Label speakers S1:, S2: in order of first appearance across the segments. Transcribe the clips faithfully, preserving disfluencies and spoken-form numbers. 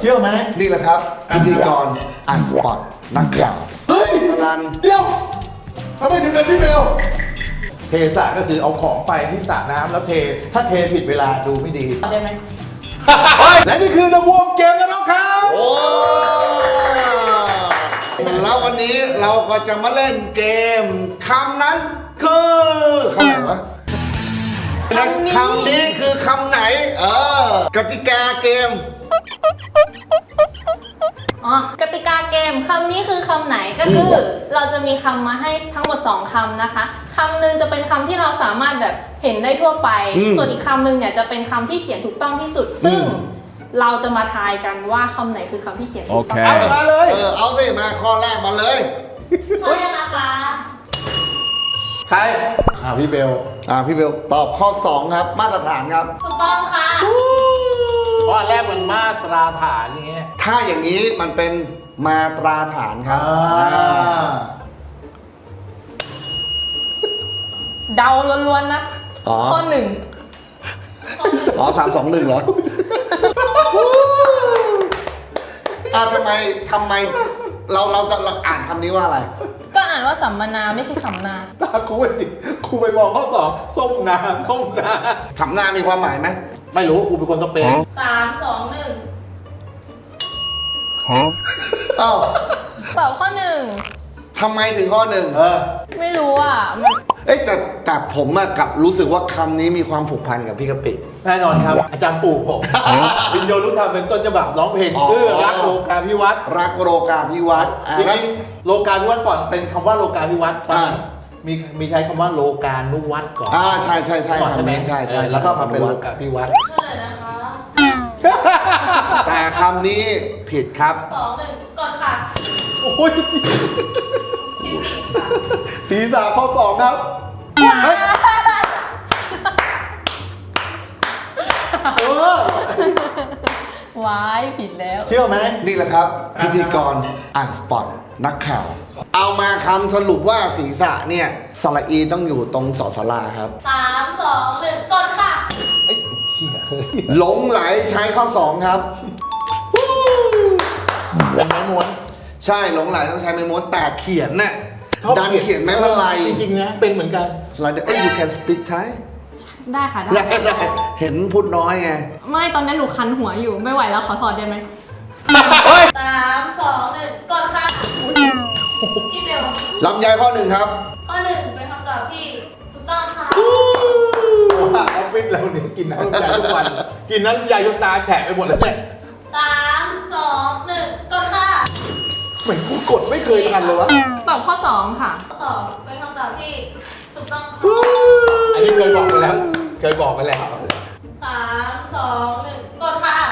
S1: ชื่อไหม
S2: นี่แหละครับพิธีกรอ่านสปอร์ตนักข่าวเฮ้ยนันเดี๋ยวทำไมถึงเป็นพี่เบล
S1: เทสระก็คือเอาของไปที่สระน้ำแล้วเทถ้าเทผิดเวลาดูไม่ดี
S3: ได้ไหม
S1: และนี่คือระบวมเกมกันแล้วครับ
S2: โอ้แล้ววันนี้เราก็จะมาเล่นเกมคำนั้นคือคำไหนวะคำนี้คือคำไหนเออกติกาเกม
S3: อ๋อกติกาเกมคำนี้คือคำไหนก็คือเราจะมีคำมาให้ทั้งหมดสองคำนะคะคำหนึ่งจะเป็นคำที่เราสามารถแบบเห็นได้ทั่วไปส่วนอีกคำหนึ่งเนี่ยจะเป็นคำที่เขียนถูกต้องที่สุดซึ่งเราจะมาทายกันว่าคำไหนคือคำที่เขียนถูกต้อง
S1: เอามาเลย
S2: เออเอาสิมาข้อแรกมาเลย
S3: พร้อมนะคะ
S1: ใครอ่าพี่เบล
S2: อ่าพี่เบลตอบข้อสองครับมาตรฐานครับ
S3: ถูกต้องค่ะ
S1: ข้อแรกมันมาตราฐานอย่างเงี้ย
S2: ถ้าอย่างนี้มันเป็นมาตราฐานครับ
S3: เดาล้วนๆนะข้อหนึ่ง
S2: อ๋อสามสองหนึ่งเหรออ่าทำไมทำไมเราเราจะเราอ่านคำนี้ว่าอะไร
S3: ก็อ่านว่าสัมมนาไม่ใช่สัมนา
S1: ตาครูครูไปบอกข้อสองส้มนาส้มนา
S2: สัมนามีความหมายไหม
S1: ไม่รู้ครูเป็นคนสเปน
S3: สามสองหนึ่ง
S2: ฮะอ้าว
S3: ตอบข้อหนึ่ง
S2: ทำไมถึงข้อหนึ่งเออ
S3: ไม่รู้อ่ะ
S2: เอ้แต่แต่ผมอะกับรู้สึกว่าคำนี้มีความผูกพันกับพี่กะปิ
S1: แน่นอนครับอาจารย์ปู่ผมวิญโยรู้ธรรมเป็นต้นฉบับร้องเพลงชื่อรักโลกาภิวัตร
S2: รักโลกาภิวัตร
S1: จริงๆโลกาภิวัตรก่อนเป็นคำว่าโลกาภิวัตรมีมีใช้คำว่าโลกานุวัตรก่อน
S2: อ่าใช่ใช่ใช่
S1: ใช่ไหม
S2: ใช่ใช่
S1: แล้วก็มาเป็นโลกาภิวัตร
S3: เลยนะคะ
S2: แต่คำนี้ผิดครับ
S3: สองหนึ่งก่อนค่ะ
S1: โอ้ยศีรษะข้อสองครับเฮ้ยเออ
S3: ว้ายผิดแล้ว
S1: เชื่อไหม
S2: นี่แหละครับพิธีกรอ่านสปอร์ตนักข่าวเอามาคำสรุปว่าศีรษะเนี่ยสระอีต้องอยู่ตรงสอสลาครับ
S3: สามสองหนึ่งก่อนค่ะ
S1: ไอ้เหี้ย
S2: หลงไหลใช้ข้อสองครับ
S1: เป็นไม้ม้วน
S2: ใช่หลงไหลต้องใช้ไม้ม้วนแต่เขียนน่ะดันเขียนไม้มาลาย
S1: จริงๆนะเป็นเหมือนกัน
S2: ลายเอ้ย you can speak Thai
S3: ได้ค่ะได้
S2: ได้เห็นพูดน้อยไง
S3: ไม่ตอนนั้นหนูคันหัวอยู่ไม่ไหวแล้วขอถอดได้ไหมสามสองหนึ่งก่อนค่ะพี่เบล
S2: ลำไยข้อหนึ่งครับ
S3: ข้อหนึ่งเป็นคำตอบที่ถูกต้องค่ะ
S1: ว่าออฟฟิศเราเนี่ยกินน้ำยาทุกวันกินน้ำยาจนตาแฉะไปหมดแล้วเนี่ย
S3: สามสองหนึ่งก่อนค่ะ
S1: เหมือนกูกดไม่เคยทันเลยวะ
S3: ตอบข้อสองค่ะข้อสองเป็นคำตอบที่ถูกต้องค่ะ
S1: อันนี้เคยบอกไปแล้วเคยบอกไปแล้ว
S3: สามสองหนึ่งกดค่ะ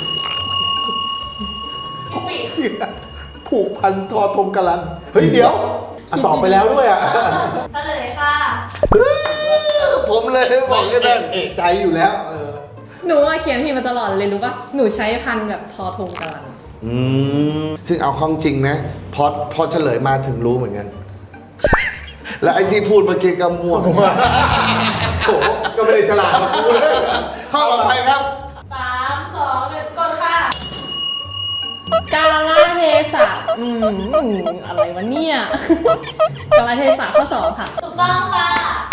S3: พี่ปี
S1: ผูกพันทอทงกะลันเฮ้ยเดี๋ยวตอบไปแล้วด้วยอ่ะ
S3: เฉลยค่ะ
S2: ผมเลยบอกกันเลย
S1: เอกใจอยู่แล้ว
S3: หนูเขียนผิดมาตลอดเลยรู้ป่ะหนูใช้พันแบบทอทงกะลัน
S2: อืมซึ่งเอาข้องจริงนะพอพอเฉลยมาถึงรู้เหมือนกันและไอ้ที่พูดเมื่อกี้ก็มั่ว
S1: โอ้ก็ไม่ได้ฉลาดมาพูดเลย
S2: ข้อต่อไปครับ
S3: สามสองหนึ่งกดค่ะกาลเทศะอืมอะไรวะเนี่ยกาลเทศะข้อสองค่ะถูกต้องค่ะ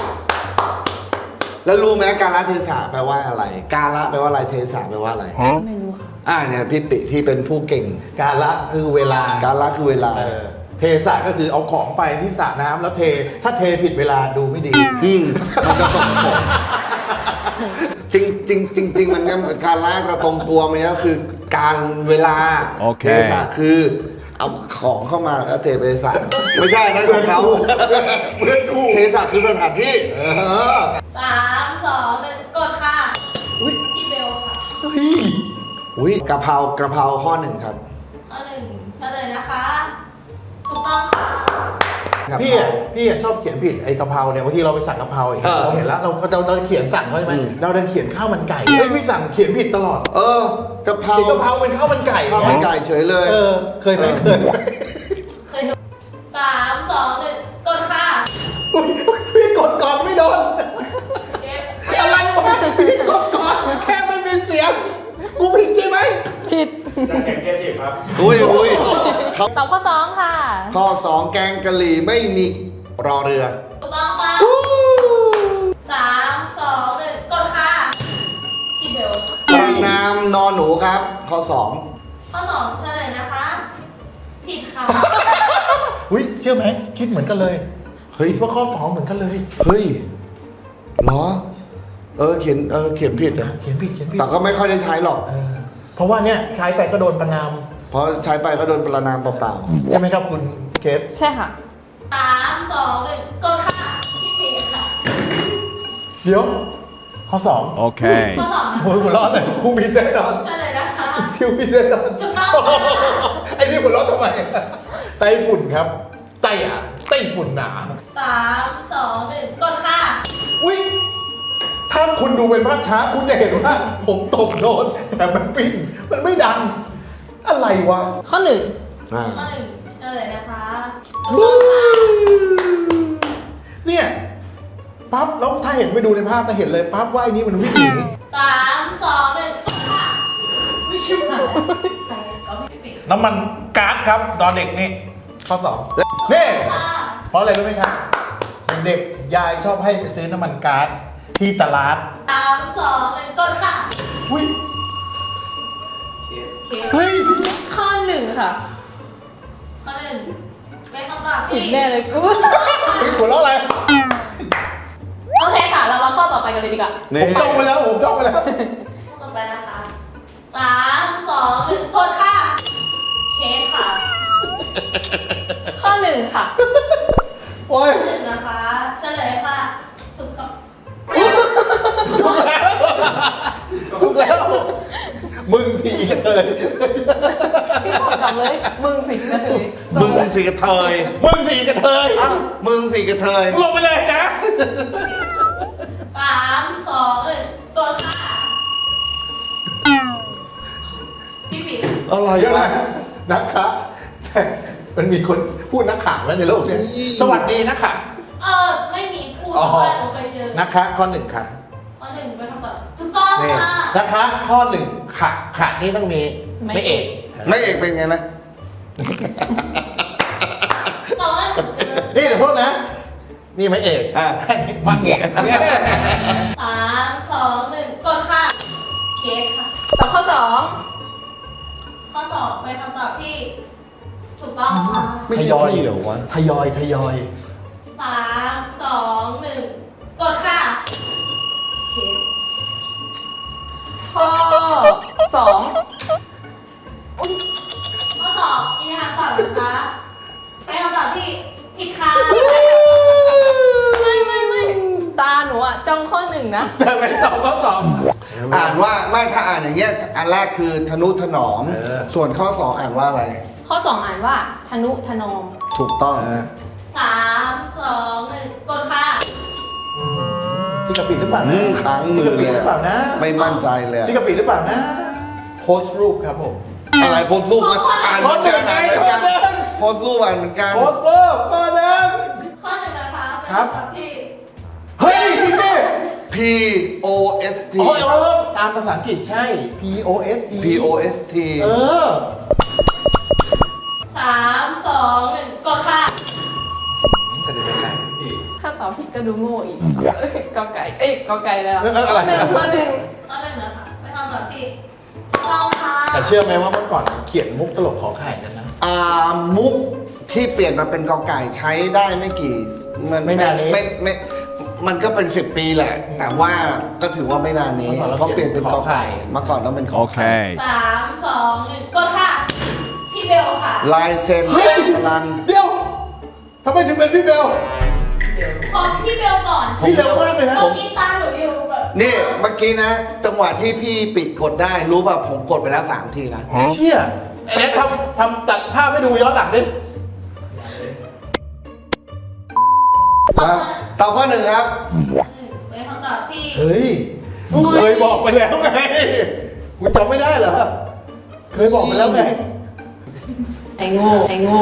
S2: แล้วรู้ไหมกาลเทศะแปลว่าอะไรกาละแปลว่าอะไรเทศะแปลว่าอะไร
S3: ไม่รู้ค่ะ
S2: อ่าเนี่ยพี่ปิที่เป็นผู้เก่ง
S1: กาละคือเวลาก
S2: าละคือเวลา
S1: เทสระก็คือเอาของไปที่สระน้ำแล้วเทถ้าเทผิดเวลาดูไม่ดี
S2: อืมมันจะตกผลจริงจริงจริงจริงมันก็เหมือนการละกระตรงตัวมันก็คือการเวลาเทสระคือเอาของเข้ามาแล้วเทไปสระไม่ใช่นั่นคือเขาเพื่อนคู่เทสระคือสถานที่
S3: สามสองหนึ่งกดค่ะพี่เบลค่ะ
S2: อุ้ยกะเพรากะเพราข้อหนึ่งครับ
S3: ข้อหนึ่งเฉลยนะคะถูกต้องค่ะ
S1: พี่อ่ะพี่อ่ะชอบเขียนผิดไอ้กะเพราเนี่ยบางทีเราไปสั่งกะเพราอย่างเงี้ยเราเห็นแล้วเราจะเราจะเขียนสั่งเขาใช่ไหมเราเดินเขียนข้าวมันไก่เฮ้ยพี่สั่งเขียนผิดตลอด
S2: เออกะเพราก
S1: ะเพราเป็นข้าวมันไก่
S2: ข้าวมันไก่เฉยเลย
S1: เออเคยไหมเคย
S3: เคยสามสองหนึ่งกดค่ะ
S1: พี่กดก่อนไม่โดนอะไรวะพี่กดก่อนแค่ไม่มีเสียงกูผิดใช่ไหม
S3: ผิด
S4: นักแข่งเทพทีครับ
S2: อุ้ยอุ้ยเขา
S3: ตอบข้อสองค่ะ
S2: ข้อสองแกงกะหรี่ไม่มีรอเรือ
S3: ถูกต้องค่ะสามสองหนึ่งกดค่ะพี่เบล
S2: ประนามนอนหนูครับ ข้อสอง
S3: ข้อสองเฉลยนะคะ ผิดค่ะ
S1: อุ้ยเชื่อไหมคิดเหมือนกันเลย
S2: เฮ้ย
S1: คิดว่าข้อสองเหมือนกันเลย
S2: เฮ้ยเหรอ เออเขียนเออเขียนผิดนะ
S1: เขียนผิดเขียนผิด
S2: แต่ก็ไม่ค่อยได้ใช้หรอก
S1: เออเพราะว่าเนี่ยใช้ไปก็โดนประนาม
S2: เพราะใช้ไปก็โดนประนามเปล่า
S1: ใช่ไหมครับคุณเคส
S3: ใช่ค่ะสามสองหนึ่งกดค่ะพี่ปีค่ะ
S1: เดี๋ยว ข้อสอง
S5: Okay.
S3: ข้อสองนะ
S1: โอ้ยหัวเร้อนเลยครูมินแน่นอน
S3: เฉลยนะคะ
S1: คิวมินแน่นอน
S3: ถูกต้องค่ะ
S1: ไอ้นี่หัวเร้อนทำไมไต้ฝุ่นครับ ไต้อะไต้ฝุ่นหนา
S3: สามสองหนึ่งกดค่ะ
S1: อุ้ยถ้าคุณดูเป็นภาพช้าคุณจะเห็นว่าผมตกโดนแต่มันปิ้นมันไม่ดัง อะไรวะ
S3: ข้อหนึ่ง
S2: ๆอ่า
S3: ข้อหนึ่งเฉลยนะคะถูกต้องค่ะ
S1: เนี่ยปั๊บแล้วถ้าเห็นไปดูในภาพจะเห็นเลยปั๊บว่าไอ้นี่มันวิ่งหนี
S3: สามสองหนึ่งกดค่ะไม่ใช่ไหมใครก็พี่ปี
S1: น้ำมันก๊าซครับตอนเด็กนี่ข้อสองนี่
S3: ค่ะ
S1: เพราะอะไรรู้ไหมครับเด็กๆยายชอบให้ไปซื้อน้ำมันก๊าซที่ตลาด
S3: สามสองหนึ่งกดค่ะ
S1: อุ้ย
S3: โอเค
S1: เฮ้ย
S3: ข้อหนึ่งค่ะ ข้อหนึ่งเป็นคำตอบ
S6: ผิ
S3: ที่
S6: ดแน่เลยกู
S1: เฮ้ยหัวเราะอะไร
S3: โอเคค่ะ เรามาข้อต่อไปกันเลยดีกว่า
S2: นี่
S1: ผมจ้องไปแล้วผมจ้องไปแล้ว
S3: ข้อต่อไปนะคะสามสองหนึ่งกดค่ะ เค้กค่ะ ข้อหนึ่งค่ะ
S1: โอ้ย
S3: ข้อหนึ่งนะคะ เฉลยค่ะ ถูกต้อง
S1: ถูกแล้วถูกแล้ว มึงผีกันเลย
S6: พี่ขอกลับเลย มึงสิกระเทย
S2: มึงสิกระเทย
S1: มึงผีกันเทย
S2: อ้าวมึงสิกระเทย
S1: ลงไปเลยนะ
S3: สามสองหนึ่งกดค่ะ พี่ปี
S2: อะไร
S1: เดี๋ยว
S2: วะ
S1: นะนักข่าวแต่มันมีคนพูดนักข่าวแล้วในโลกเนี้ยสวัสดีนักข่าว
S3: เออไม่มีพูด
S1: อ๋อ
S3: เพราะว่าหนูเคยเจอ
S1: นักข่าวข้อหนึ่งค่ะ
S3: ข้อหนึ่งเป็นคำตอบถูกต้อง
S1: นี่
S3: ค่ะ
S1: นะคะข้อหนึ่งขะขะนี่ต้องมีไม่เอก
S2: ไม่เอกเป็นไงนะ
S3: ตอนนั้นหนูเจอ
S1: นี่เดี๋ยวโทษนะ นี่ไม่เอก
S2: อ่า
S1: อันนี้มังเอกเนี่ย
S3: สามสองหนึ่งกดค่ะ เค้กค่ะ
S6: ตอบข้อสอง
S3: ข้อสอบเป็นคำตอบที่ ถูกต้องค่ะ
S2: ไม่ใช่พี่เหรอวะ
S1: ทยอยทยอย
S3: สามสองหนึ่งกดค่ะ เค้ก
S6: ข้อสอง
S3: ข้อสอบอีกคำตอบนะคะเป็นคำตอบที่ผิดค่ะ
S6: ไม่ไม่ไม่ตาหนูอะจ้องข้อหนึ่งนะ
S1: แต่ไม่ตอบข้อสอบ
S2: อ่านว่าไม่ถ้าอ่านอย่างเงี้ย อันแรกคือทนุถนอม
S1: เออ
S2: ส่วนข้อสองอ่านว่าอะไร
S6: ข้อสองอ่านว่าธนุถนอม
S2: ถูกต้อง
S3: สามสองหนึ่งกดค่ะ
S1: ที่กะปิหรือเปล่า
S2: อื
S1: นะ
S2: มค้างมื
S1: ที่
S2: อก
S1: ะ
S2: เล
S1: ปิ
S2: ย
S1: หรือเปล่านะ
S2: ไม่มั่นใจเลยอะ
S1: ที่กะปิหรือเปล่านะโพสต์รูปครับผม
S2: อะไรโพสต์รูปมันอ่านเหมือนกันอ่านเหมือนกัน
S1: ข้อหนึ่งไง
S2: โพสต์รูปอ่านเหมือนกัน
S1: โพสต์รูปข้อหนึ่ง
S3: ข้อหนึ่งนะคะเป็น
S1: ครับ
S3: คำตอบที่
S1: เฮ้ยพี่เน่
S2: P O S T
S1: โอ้ยเออตามภาษาอังกฤษใช่ P O S T
S2: P O S T
S1: เออ
S3: สามสองหนึ่งกดค่ะ
S1: กระเด็นไปไกล
S6: ถ้าตอบผิดก็ดูโง่อีกกอไก่ เอ้ยกอไก่แล้ว
S1: เออเอออะไร
S6: หนึ่งข้อหนึ่ง
S3: ข้อหนึ่งนะคะเป็นคำตอบที่ถูกต้องค่ะ
S1: แต่เชื่อไหมว่าเมื่อก่อนเขียนมุกตลกขอไข่กันนะ
S2: อ่ามุกที่เปลี่ยนมาเป็นกอไก่ใช้ได้ไม่กี่มัน
S1: ไม่นานนี้
S2: ไม่ไม่มันก็เป็นสิบปีแหละ แต่ว่าก็ถือว่าไม่นานนี้
S1: เมื่อก่อนเรา
S2: เพราะเปลี่ยนเป็นกอไก่
S1: เขียนขอไข่
S2: เมื่อก่อนต้องเป็นขอไข่
S5: Okay.
S3: สามสองหนึ่งกดค่ะ พี่เบลค่ะ
S2: ลายเซ็น
S1: เฮ้ย
S2: รัน
S1: เดี๋ยวทำไมถึงเป็นพี่เบล
S3: ขอพี่เบลก่อน
S1: พี่เร็วมากเลยนะ
S3: เมื่อกี้ตามหนูอยู่แบบ
S2: นี่เมื่อกี้นะ จังหวะที่พี่ปิดกดได้รู้ป่ะผมกดไปแล้วสามทีนะ
S1: เชี่ยไอ้เนี้ยทำทำตัดภาพให้ดูย้อนหลังดิ
S2: ครับตอบข้อหนึ่งครับ
S3: เป็นคำตอบที่
S1: เฮ้ย เคยบอกไปแล้วไง คุณจำไม่ได้เหรอ เคยบอกไปแล้วไง
S6: ไอ้โง่ไอ้โง่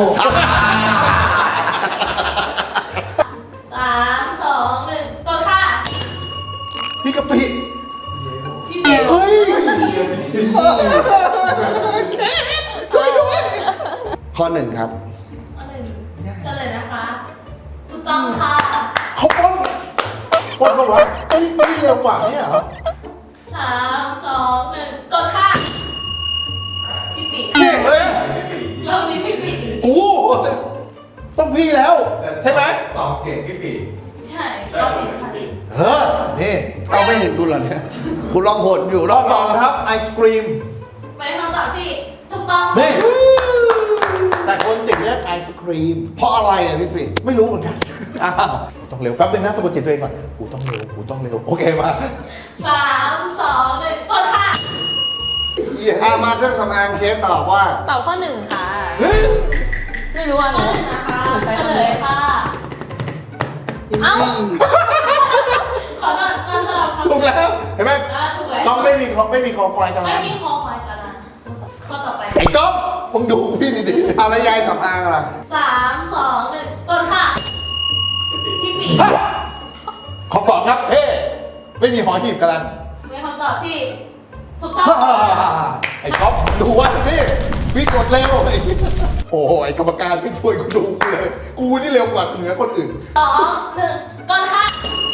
S3: สามสองหนึ่งกดค่ะ
S1: พี่กะปิ
S3: พี่เบล
S1: เฮ้ยช่วยด้วย
S2: ข้อหนึ่งครับ
S3: ข้อหนึ่งเฉลยนะคะถูกต้องค่ะ
S1: เขาปล้นปล้นปะวะเอ้ยไม่เร็วกว่าเนี่ยเหรอ
S3: สามสองหนึ่งกดค่ะพี่ปี
S1: นี่เฮ้ย
S3: เรามีพี่ปี
S1: กูต้องพี่แล้ว ใช่ไหม
S4: สองเสียงพี่ปี
S3: ใช่ก็ผิดค่ะ
S1: เออนี่
S2: เอาไม่เห็นกูเหรอเนี่ยกูลองผลอยู่ร
S1: ข้
S2: อ
S1: อบ สองครับไอศกรีม
S3: เป็นคำตอบที่ถูกต้อง
S1: นี่แต่คนจิ๋งเรียกไอศครีม
S2: เพราะอะไรอ่ะพี่ปี
S1: ไม่รู้เหมือนกัน
S2: อ้าว
S1: ต้องเร็วแป๊บนึงนะสะกดจิตตัวเองก่อนกูต้องเร็วกูต้องเร็วโอเคมา
S3: สามสองหนึ่งกดค่ะ
S2: อ่ะมาเครื่องสำอางเคสตอบว่า
S6: ตอบข้อหนึ่งค่ะ
S1: เฮ้ย
S6: ไม่รู้อ่ะห
S3: ข้อ
S6: นู
S3: หนึ่งนะคะ
S6: หนูใช้
S3: เฉ
S6: คำ
S3: ล
S6: นี้
S3: ยค่ะ
S6: เอ้า
S3: ขอโทษขอโทษขอโทษ
S1: ถูกแล้วเห็นไหม
S3: อ่าถูกแล้ว
S1: ต้องไม่มีคอไม่มีคอควายกัน
S3: ไม่
S1: แล้ว
S3: มีคอควายกันนะข้อต่อไป
S1: ไอ้ก๊อฟมึงดูพี่ดี
S2: อะไรยายสำอางล่ะ
S3: สามสองหนึ่งกดค่ะ พี่ปี
S1: ๆฮะขอสองครับเท่ไม่มีหอหีบกันลัน
S3: เป็นคำตอบที่ถูกต้อง
S1: ฮ่าไอ้ก๊อฟดูว่านี่พี่กดเร็วไอ้โอ้โหไอ้กรรมการไม่ช่วยกูดูกูเลย กูนี่เร็วกว่าเหนือคนอื่น
S3: สองหนึ่งกดค่ะ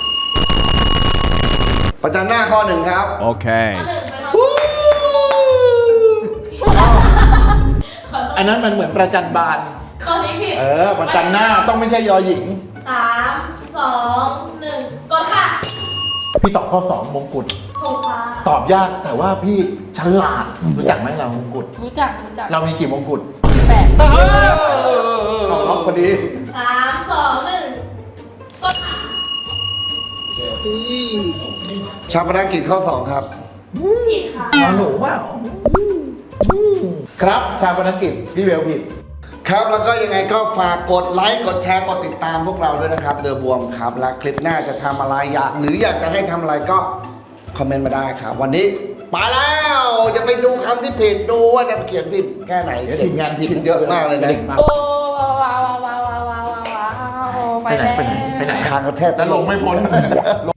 S2: ประจันหน้าข้อหนึ่งครับ
S3: ข้อ
S5: Okay.
S3: หนึ่งเป็นคำตอบ
S2: วู้
S3: ขอโทษ
S1: อันนั้นมันเหมือนประจันบาน
S3: ข้อนี้ผิด
S1: เออ ประจันหน้าต้องไม่ใช่ยอหญิง
S3: สามสองหนึ่งกดค่ะ
S1: พี่ตอบข้อสองมงกุฎ
S3: ถูกค่ะ
S1: ตอบยากแต่ว่าพี่ฉลาด รู้จักไหมเรามงกุฎ
S6: รู้จักรู้จัก
S1: เรามีกี่มงกุฎ
S6: แปด
S1: ขอบครับพอดี
S3: สามสองหนึ่งกดค่ะ
S2: ชาปนกิจข้อสองครับ
S3: ผิดค่ะ
S1: หมอหนูเปล่าครับชาปนกิจพี่เบลผิด
S2: ครับแล้วก็ยังไงก็ฝากกดไลค์กดแชร์กดติดตามพวกเราด้วยนะครับเดอะบวมครับและคลิปหน้าจะทำอะไรอยากหรืออยากจะให้ทำอะไรก็คอมเมนต์มาได้ครับ วันนี้ไปแล้วจะไปดูคำที่ผิดดูว่าจะเขียนผิดแค่ไหน
S1: เดี๋ยวทีมงานผิด
S2: เยอะมากเลยนะ
S6: โอ้ว้าวว้าวว้าวว้าวว้าวว้าว
S1: ไปไหนไปไหนไปไหน
S2: คางกระแทก
S1: แล้วลงไม่พ้น